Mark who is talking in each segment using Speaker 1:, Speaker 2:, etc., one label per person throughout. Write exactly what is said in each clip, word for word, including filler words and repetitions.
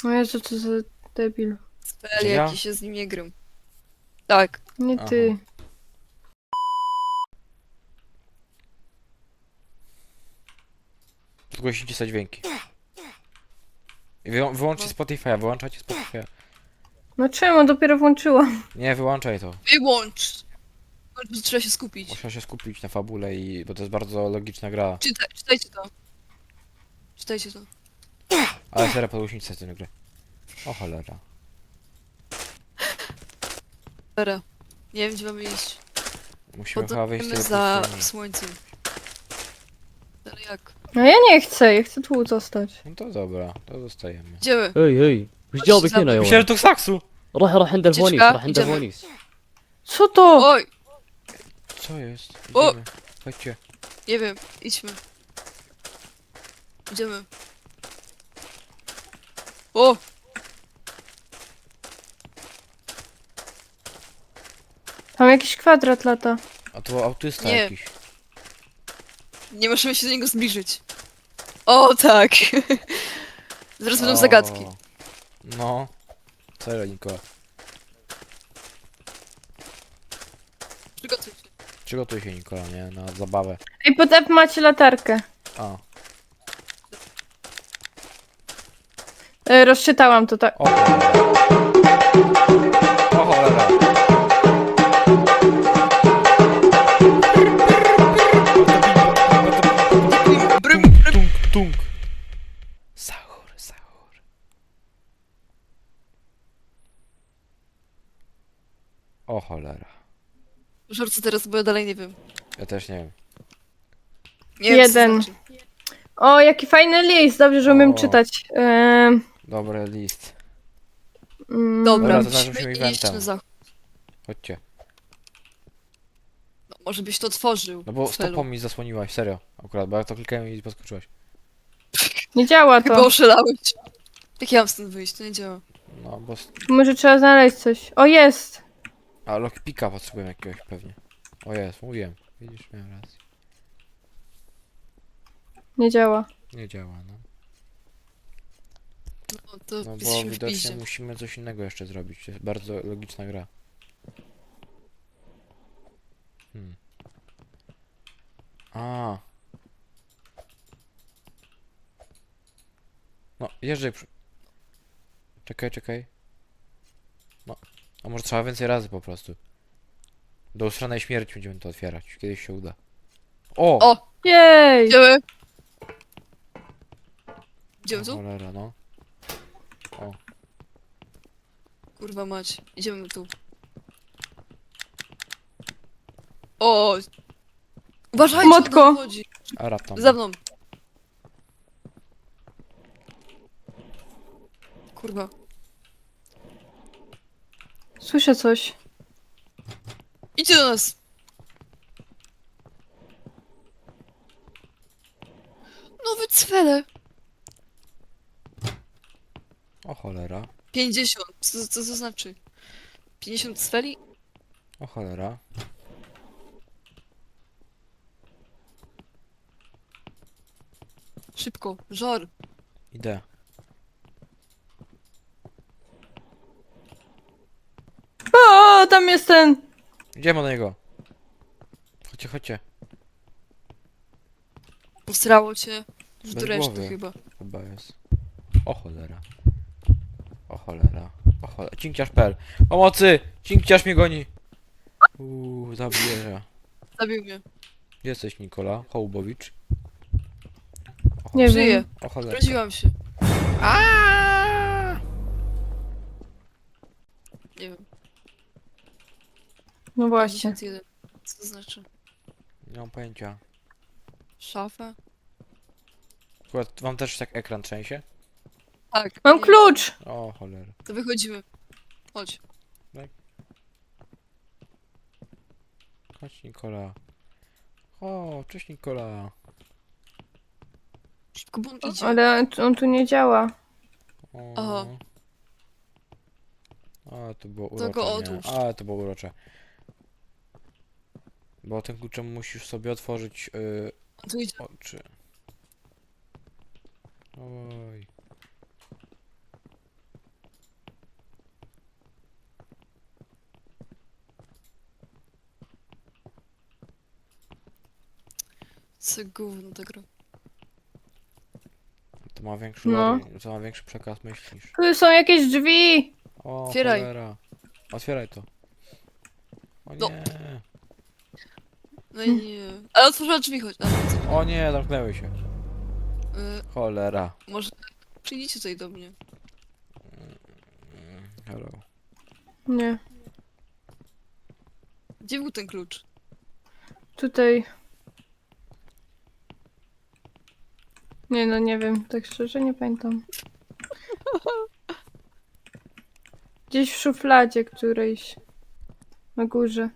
Speaker 1: No Jezu, co za debil.
Speaker 2: Spell,
Speaker 3: Ja?
Speaker 2: jaki się z nim nie gram. Tak.
Speaker 1: Nie
Speaker 3: Aha.
Speaker 1: ty.
Speaker 3: Zgłosicie sobie dźwięki. I Wy, wyłączcie
Speaker 2: No.
Speaker 3: Spotify'a, wyłączajcie Spotify'a.
Speaker 1: No czemu? Dopiero włączyłam.
Speaker 3: Nie, wyłączaj to.
Speaker 2: Wyłącz! Bo trzeba się skupić.
Speaker 3: Muszę się skupić na fabule i... bo to jest bardzo logiczna gra.
Speaker 2: Czytaj, czytajcie to. Czytajcie to.
Speaker 3: Ale serio, podgłośnicie tę grę. O cholera.
Speaker 2: Dobra. Nie wiem, gdzie mamy iść.
Speaker 3: Musimy chyba wyjść z
Speaker 2: Podążamy
Speaker 3: tej
Speaker 2: za
Speaker 3: pustyni.
Speaker 2: słońcem. Ale jak?
Speaker 1: No ja nie chcę, ja chcę tu zostać.
Speaker 3: No to dobra, to zostajemy.
Speaker 2: Idziemy.
Speaker 4: هي هي وش
Speaker 2: Chodź,
Speaker 4: جابك
Speaker 2: za-
Speaker 4: هنا يا
Speaker 3: Myślałem, że
Speaker 4: ولد؟
Speaker 3: to saksu!
Speaker 4: روح روح عند الفونيس
Speaker 2: تشبع؟
Speaker 4: روح عند
Speaker 2: جمع.
Speaker 4: الفونيس.
Speaker 1: Co to?
Speaker 2: Oj!
Speaker 3: Co jest?
Speaker 2: O!
Speaker 3: Idziemy. Chodźcie.
Speaker 2: Nie wiem, idźmy. Idziemy. O!
Speaker 1: Tam jakiś kwadrat lata.
Speaker 3: A to autysta
Speaker 2: Nie.
Speaker 3: jakiś.
Speaker 2: Nie możemy się do niego zbliżyć. O, tak! Zaraz będą
Speaker 3: O,
Speaker 2: zagadki.
Speaker 3: No. Serio, Nikola.
Speaker 2: Przygotuj się.
Speaker 3: Przygotuj się, Nikola, nie? Na zabawę.
Speaker 1: Ej, pod F macie latarkę.
Speaker 3: A.
Speaker 1: E, rozczytałam to tak.
Speaker 3: O cholera. O cholera.
Speaker 2: Brym,
Speaker 3: Tung,
Speaker 2: brym.
Speaker 3: tung, tung. Sahur, sahur. O cholera.
Speaker 2: Żor, co teraz, bo ja dalej nie wiem.
Speaker 3: Ja też nie wiem.
Speaker 2: Nie wiem,
Speaker 1: Jeden.
Speaker 2: co to znaczy.
Speaker 1: O, jaki fajny list. Dobrze, że umiem
Speaker 3: O.
Speaker 1: czytać. Ehm,
Speaker 3: Dobry list.
Speaker 1: mm,
Speaker 2: Dobra,
Speaker 3: Dobra, to znaczy
Speaker 2: musimy
Speaker 3: musimy
Speaker 2: iść
Speaker 3: eventem.
Speaker 2: na zachód.
Speaker 3: Chodźcie.
Speaker 2: No, może byś to otworzył.
Speaker 3: No bo
Speaker 2: Felu.
Speaker 3: stopą mi zasłoniłaś, serio. Akurat, bo ja to klikałem i podskoczyłaś.
Speaker 1: Nie działa
Speaker 2: Chyba
Speaker 1: to.
Speaker 2: oszalałeś. Jak ja mam stąd wyjść? To nie działa.
Speaker 3: No, bo... s-
Speaker 1: Może trzeba znaleźć coś. O, jest.
Speaker 3: A, lockpicka potrzebuję jakiegoś pewnie. O jest, mówiłem. Widzisz, miałem rację.
Speaker 1: Nie działa.
Speaker 3: Nie działa, no.
Speaker 2: No to
Speaker 3: No bo
Speaker 2: jesteśmy w
Speaker 3: widocznie
Speaker 2: piździe.
Speaker 3: musimy coś innego jeszcze zrobić. To jest bardzo logiczna gra. Hmm. A. No, jeżdżaj. Przy... Czekaj, czekaj. No. A może trzeba więcej razy po prostu. Do usranej śmierci będziemy to otwierać. Kiedyś się uda. O!
Speaker 2: O!
Speaker 1: Jej.
Speaker 2: Idziemy! Idziemy
Speaker 3: O
Speaker 2: tu?
Speaker 3: cholera, no. O.
Speaker 2: Kurwa mać. Idziemy tu. O! Uważajcie,
Speaker 1: Motko.
Speaker 2: on chodzi.
Speaker 3: Arab tam.
Speaker 2: Za mną. Kurwa.
Speaker 1: Słyszę coś.
Speaker 2: Idźcie do nas! Nowy cwele!
Speaker 3: O cholera.
Speaker 2: pięćdziesiąt. Co, co to znaczy? pięćdziesiąt cweli?
Speaker 3: O cholera.
Speaker 2: Szybko. Żor.
Speaker 3: Idę.
Speaker 1: O, tam jest ten.
Speaker 3: Idziemy do niego. Chodźcie, chodźcie.
Speaker 2: Posrało cię. Już
Speaker 3: Bez
Speaker 2: do reszty
Speaker 3: głowy.
Speaker 2: chyba.
Speaker 3: Chyba jest. O cholera. O cholera. O cholera. Cinkciarz.pl. Pomocy! Cinkciarz mnie goni! Uuu, zabierze.
Speaker 2: Zabił mnie.
Speaker 3: Gdzie jesteś, Nikola? Hołbowicz? O,
Speaker 1: Nie
Speaker 2: Żyję.
Speaker 1: wiem.
Speaker 3: o cholera.
Speaker 2: Urodziłam się.
Speaker 3: Aaaa!
Speaker 2: Nie wiem.
Speaker 1: No właśnie.
Speaker 2: pięćdziesiąt jeden. Co to znaczy?
Speaker 3: Nie mam pojęcia.
Speaker 2: Szafa?
Speaker 3: Akurat wam też tak ekran trzęsie?
Speaker 2: Tak.
Speaker 1: Mam
Speaker 2: nie wiem.
Speaker 1: klucz.
Speaker 3: O cholera.
Speaker 2: To wychodzimy. Chodź.
Speaker 3: Chodź, Nikola. O, cześć, Nikola.
Speaker 2: Szybko, bo on idzie.
Speaker 1: Ale on tu nie działa.
Speaker 3: O.
Speaker 2: Aha.
Speaker 3: A, to było
Speaker 2: To
Speaker 3: urocze,
Speaker 2: go
Speaker 3: nie?
Speaker 2: odłóż.
Speaker 3: A, to było urocze. Bo tym kluczem musisz sobie otworzyć yy,
Speaker 2: On tu idzie.
Speaker 3: oczy. Oj.
Speaker 2: Co gówno ta gra.
Speaker 3: To ma większy
Speaker 1: No.
Speaker 3: lore, to ma większy przekaz myśli niż...
Speaker 1: Tu są jakieś drzwi!
Speaker 3: O,
Speaker 2: Otwieraj.
Speaker 3: cholera. Otwieraj to. O
Speaker 2: No.
Speaker 3: nie.
Speaker 2: No i nie. Ale otworzyła drzwi choć. A, co?
Speaker 3: O nie, zamknęły się.
Speaker 2: Y,
Speaker 3: Cholera.
Speaker 2: może przyjdziecie tutaj do mnie.
Speaker 3: Mm, Hello.
Speaker 1: Nie,
Speaker 2: Gdzie był ten klucz?
Speaker 1: tutaj. Nie no, nie wiem, tak szczerze nie pamiętam. Gdzieś w szufladzie którejś. Na górze.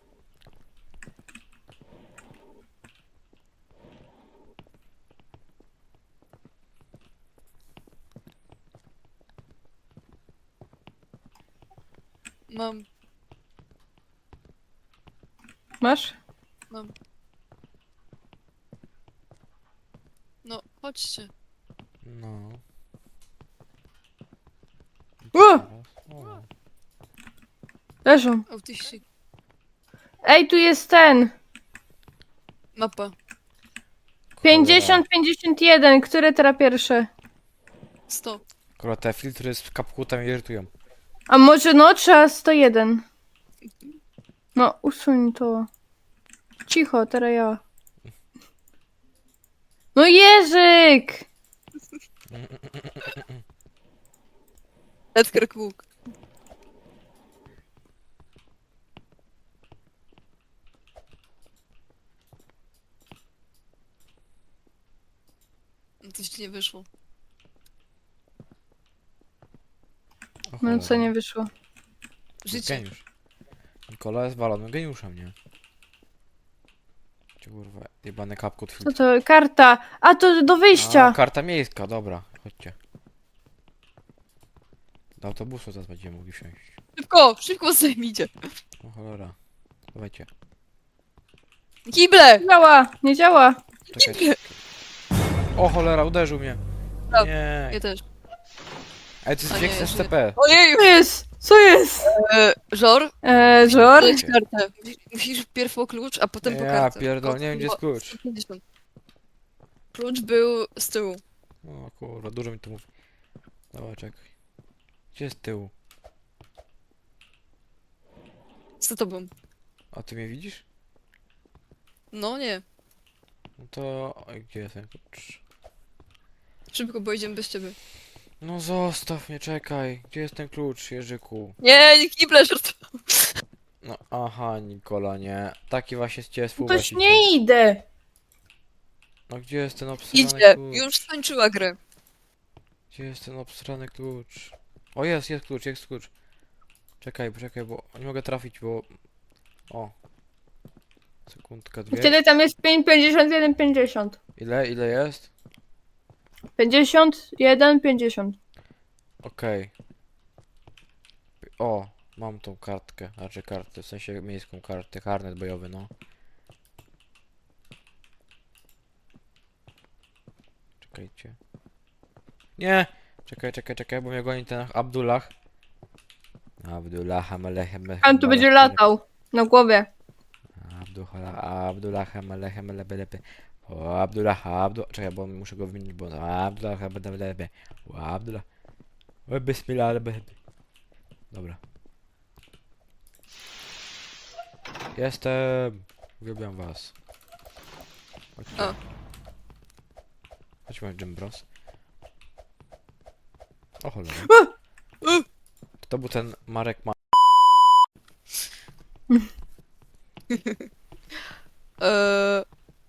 Speaker 2: Mam,
Speaker 1: Masz?
Speaker 2: mam. No, chodźcie.
Speaker 3: No.
Speaker 1: O!
Speaker 3: O.
Speaker 1: Leżą.
Speaker 2: Autyści.
Speaker 1: Ej, tu jest ten!
Speaker 2: Mapa.
Speaker 1: pięćdziesiąt pięćdziesiąt jeden, które teraz pierwsze?
Speaker 2: sto.
Speaker 3: Kurwa, te filtry z kapkutem irytują.
Speaker 1: A może no, trzeba sto jeden. No, usuń to. Cicho, teraz ja. No Jerzyk!
Speaker 2: Edgar Cook. No coś ci nie wyszło.
Speaker 3: O,
Speaker 1: No co
Speaker 3: cholera.
Speaker 1: nie wyszło.
Speaker 2: Życie.
Speaker 3: Geniusz. Nikola jest walonym geniuszem, nie? Cię kurwa, jebany kapkut
Speaker 1: Co
Speaker 3: filtr.
Speaker 1: to? Karta! A to do
Speaker 3: A,
Speaker 1: wyjścia!
Speaker 3: karta miejska, dobra, chodźcie. Do autobusu zaraz będziemy mogli wsiąść.
Speaker 2: Szybko! Szybko zajmijcie.
Speaker 3: O cholera. Dawajcie.
Speaker 2: Kible!
Speaker 1: Nie działa! Nie działa!
Speaker 3: Czekajcie. O cholera, uderzył mnie.
Speaker 2: Tak.
Speaker 3: Nie.
Speaker 2: Ja też.
Speaker 3: Ej, to jest
Speaker 2: A nie,
Speaker 3: wiek z
Speaker 2: jest
Speaker 3: S C P.
Speaker 2: Ojeju!
Speaker 1: Co jest? Co jest?
Speaker 2: E, Żor?
Speaker 1: Eee, żor?
Speaker 2: Dać kartę. Musisz pierw po klucz, a potem po
Speaker 3: Ja
Speaker 2: kartę.
Speaker 3: pierdolę, nie wiem, gdzie jest
Speaker 2: O,
Speaker 3: klucz.
Speaker 2: sto pięćdziesiąt. Klucz był z tyłu.
Speaker 3: O kurwa, dużo mi to mówi. Dobra, czekaj. Gdzie jest tył?
Speaker 2: Z tobą.
Speaker 3: A ty mnie widzisz?
Speaker 2: No nie.
Speaker 3: No to... Oj, gdzie jest ten klucz?
Speaker 2: Szybko, bo idziemy bez ciebie.
Speaker 3: No zostaw mnie, czekaj. Gdzie jest ten klucz, Jerzyku?
Speaker 2: Nie, nie kible, żart.
Speaker 3: No aha, Nikola, nie. Taki właśnie z ciebie
Speaker 1: Toś
Speaker 3: współwłaściciel.
Speaker 1: nie idę!
Speaker 3: No gdzie jest ten obsrany
Speaker 2: Idzie.
Speaker 3: klucz?
Speaker 2: Już skończyła grę.
Speaker 3: Gdzie jest ten obsrany klucz? O jest, jest klucz, jest klucz. Czekaj, poczekaj, bo nie mogę trafić, bo... O. Sekundka, dwie.
Speaker 1: Wtedy tam jest pięć, pięćdziesiąt jeden, pięćdziesiąt.
Speaker 3: Ile, ile jest?
Speaker 1: pięćdziesiąt jeden, pięćdziesiąt.
Speaker 3: Okej. O, mam tą kartkę, znaczy kartę, w sensie miejską kartę, karnet bojowy, no. Czekajcie. Nie! Czekaj, czekaj, czekaj, bo mnie goni ten Abdullah. Abdullah, Melechem,
Speaker 1: On tu będzie latał. Na głowie.
Speaker 3: Abdullah, Abdullah, Melechem, Lebelepe. O, Abdullah, Abdullah. Czekaj, bo muszę go wymienić, bo... Abdullah, Lebelepe. O, Abdullah. O, Bismillah, Lebelepe. Dobra. Jestem. Uwielbiam was. Chodźcie.
Speaker 2: O.
Speaker 3: Chodźmy, Jim Bros. O cholera.
Speaker 2: Uh.
Speaker 3: To był ten Marek Ma...
Speaker 2: Eee,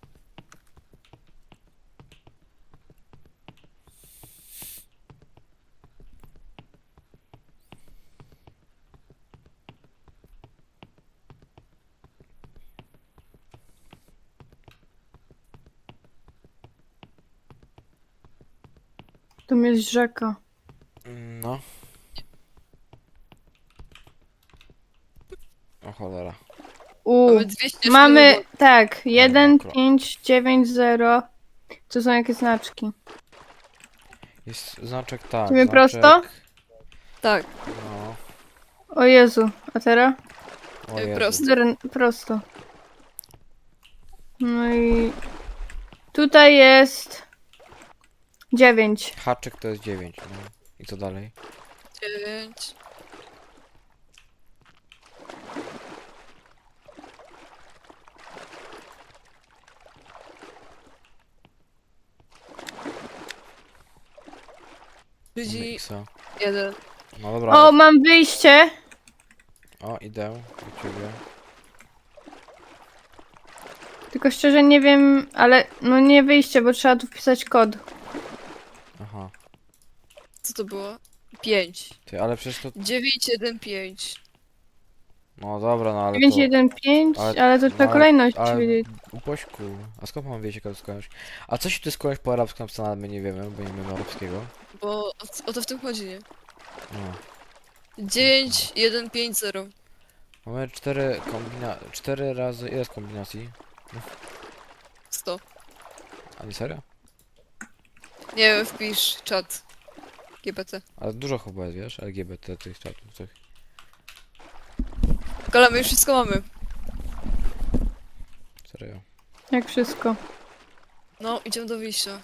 Speaker 1: Tu jest rzeka.
Speaker 3: No. O cholera.
Speaker 1: U.
Speaker 2: mamy dwieście
Speaker 1: Mamy,
Speaker 2: sztuk.
Speaker 1: tak, jeden,
Speaker 3: mokro.
Speaker 1: pięć, dziewięć, zero. To są jakieś znaczki.
Speaker 3: Jest znaczek tak.
Speaker 1: Idziemy
Speaker 3: znaczek...
Speaker 1: prosto?
Speaker 2: Tak,
Speaker 3: No.
Speaker 1: O Jezu, a teraz?
Speaker 3: O
Speaker 2: Ej,
Speaker 3: Jezu.
Speaker 2: prosto.
Speaker 1: Zero, prosto. No i... Tutaj jest dziewięć.
Speaker 3: Haczyk to jest dziewięć, no. I co dalej?
Speaker 2: Dziewięć. Trzydzieści
Speaker 3: Miksa.
Speaker 2: jeden.
Speaker 3: No dobra.
Speaker 1: O,
Speaker 3: ale-
Speaker 1: mam wyjście.
Speaker 3: O, idę do ciebie.
Speaker 1: Tylko szczerze nie wiem, ale no nie wyjście, bo trzeba tu wpisać kod.
Speaker 3: Aha.
Speaker 2: Co to było? pięć.
Speaker 3: Ty, ale przecież to...
Speaker 2: dziewięć jeden pięć.
Speaker 3: No dobra, no ale
Speaker 1: dziewięć
Speaker 3: to...
Speaker 1: jeden pięć,
Speaker 3: ale-
Speaker 1: ale to trzeba
Speaker 3: ale-
Speaker 1: kolejność
Speaker 3: ale-
Speaker 1: wiedzieć.
Speaker 3: Upośku. A skąd mam wiedzieć, jak to skądś? A co się tu skądś po arabsku napisane, ale my nie wiemy, bo nie wiemy arabskiego.
Speaker 2: Bo o, o to w tym chodzi, nie?
Speaker 3: No.
Speaker 2: dziewięć jeden pięć zero.
Speaker 3: Mamy cztery kombina... cztery razy... Ile jest kombinacji?
Speaker 2: sto.
Speaker 3: A nie serio?
Speaker 2: Nie wiem, wpisz czat. G B T.
Speaker 3: Ale dużo chyba jest, wiesz? L G B T tych czatów, tych...
Speaker 2: Kola, my już wszystko mamy.
Speaker 3: Serio.
Speaker 1: Jak wszystko.
Speaker 2: No, idziemy do wyjścia.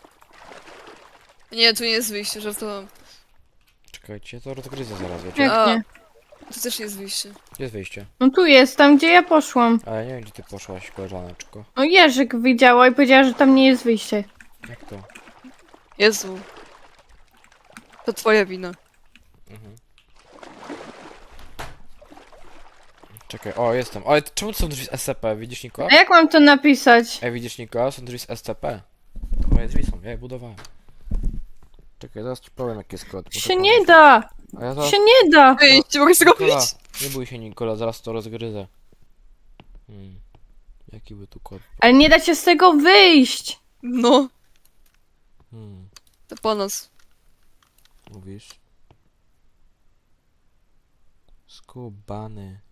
Speaker 2: Nie, tu nie jest wyjście, żartowałam.
Speaker 3: Czekajcie, to rozgryzę zaraz, wiecie?
Speaker 1: Jak
Speaker 2: A.
Speaker 1: nie?
Speaker 2: Tu też nie jest wyjście.
Speaker 3: Gdzie jest wyjście?
Speaker 1: No tu jest, tam gdzie ja poszłam.
Speaker 3: A ja nie wiem, gdzie ty poszłaś, koleżaneczko.
Speaker 1: No Jerzyk widziała i powiedziała, że tam nie jest wyjście.
Speaker 3: Jak to?
Speaker 2: Jezu. To twoja wina.
Speaker 3: Mhm. Czekaj, o, jestem. O, ale czemu to są drzwi z S C P? Widzisz, Niko?
Speaker 1: A jak mam to napisać?
Speaker 3: Ej, widzisz, Niko? Są drzwi z S C P. To moje drzwi są, ja je budowałem. Czekaj, zaraz ci powiem, jaki jest kod. muszę
Speaker 1: Się nie
Speaker 3: pomyśleć.
Speaker 1: da!
Speaker 3: A ja zaraz...
Speaker 1: Się nie da!
Speaker 2: Wyjść, mogę sobie
Speaker 3: Nikola,
Speaker 2: robić.
Speaker 3: nie bój się, Nikola, zaraz to rozgryzę. Hmm. Jaki by tu kod?
Speaker 1: Ale nie da się z tego wyjść!
Speaker 2: No,
Speaker 3: Hmm.
Speaker 2: to po nas.
Speaker 3: Mówisz? Skubany.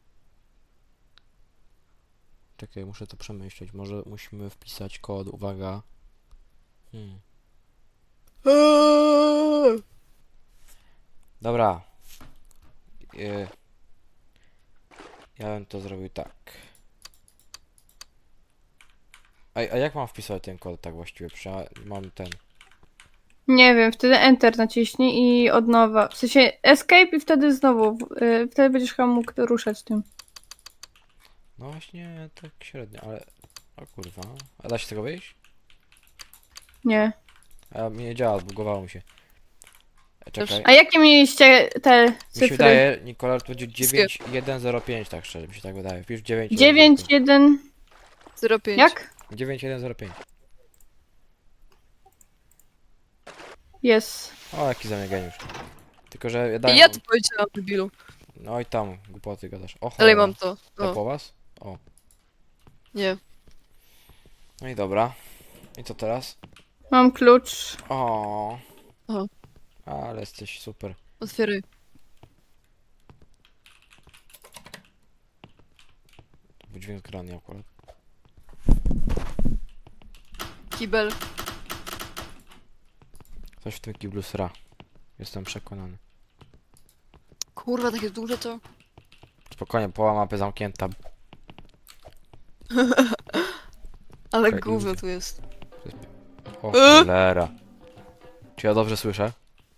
Speaker 3: Czekaj, muszę to przemyśleć. Może musimy wpisać kod, uwaga. Hmm. Dobra. E, Ja bym to zrobił tak. A, a jak mam wpisać ten kod tak właściwie? Przecież ja mam ten.
Speaker 1: Nie wiem, wtedy Enter naciśnij i od nowa. W sensie Escape i wtedy znowu. y, Wtedy będziesz chyba mógł ruszać tym.
Speaker 3: No właśnie, tak średnio, ale... O kurwa. A da się z tego wyjść?
Speaker 1: Nie.
Speaker 3: A mi nie działa, zbugowało mi się. E, Czekaj.
Speaker 1: A jakie mieliście te
Speaker 3: Mi się
Speaker 1: cyfry?
Speaker 3: wydaje, Nikola, to będzie dziewięć jeden zero pięć, tak szczerze, mi się tak wydaje. Wpisz dziewięć
Speaker 1: dziewięć jeden.
Speaker 2: zero pięć.
Speaker 1: Jak?
Speaker 3: dziewięć jeden zero pięć.
Speaker 1: Jest.
Speaker 3: O, jaki za mnie geniusz. Tylko, że ja
Speaker 2: I
Speaker 3: daję...
Speaker 2: ja to powiedziałam, debilu.
Speaker 3: No i tam, głupoty gadasz. O,
Speaker 2: Dalej
Speaker 3: cholera.
Speaker 2: mam to.
Speaker 3: To
Speaker 2: O,
Speaker 3: po was? O.
Speaker 2: nie.
Speaker 3: No i dobra. I co teraz?
Speaker 1: Mam klucz.
Speaker 3: O.
Speaker 2: Aha.
Speaker 3: Ale jesteś super.
Speaker 2: Otwieraj.
Speaker 3: To był dźwięk grany akurat.
Speaker 2: Kibel.
Speaker 3: Coś w tym kiblu sra. Jestem przekonany.
Speaker 2: Kurwa, takie duże to.
Speaker 3: Spokojnie, połowa mapy zamknięta.
Speaker 2: Ale
Speaker 3: Okej,
Speaker 2: gówno
Speaker 3: idzie.
Speaker 2: tu jest.
Speaker 3: O
Speaker 2: E?
Speaker 3: cholera. Czy ja dobrze słyszę?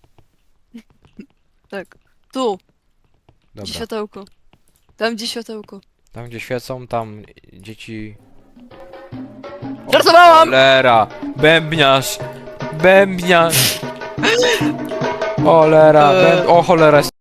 Speaker 2: Tak. Tu. Gdzie
Speaker 3: Dobra.
Speaker 2: światełko. Tam, gdzie światełko.
Speaker 3: Tam gdzie świecą, tam dzieci... O
Speaker 2: Żartowałam!
Speaker 3: cholera! Bębniarz! Bębniarz! Cholera!
Speaker 2: Eee.
Speaker 3: Bęb... O cholera!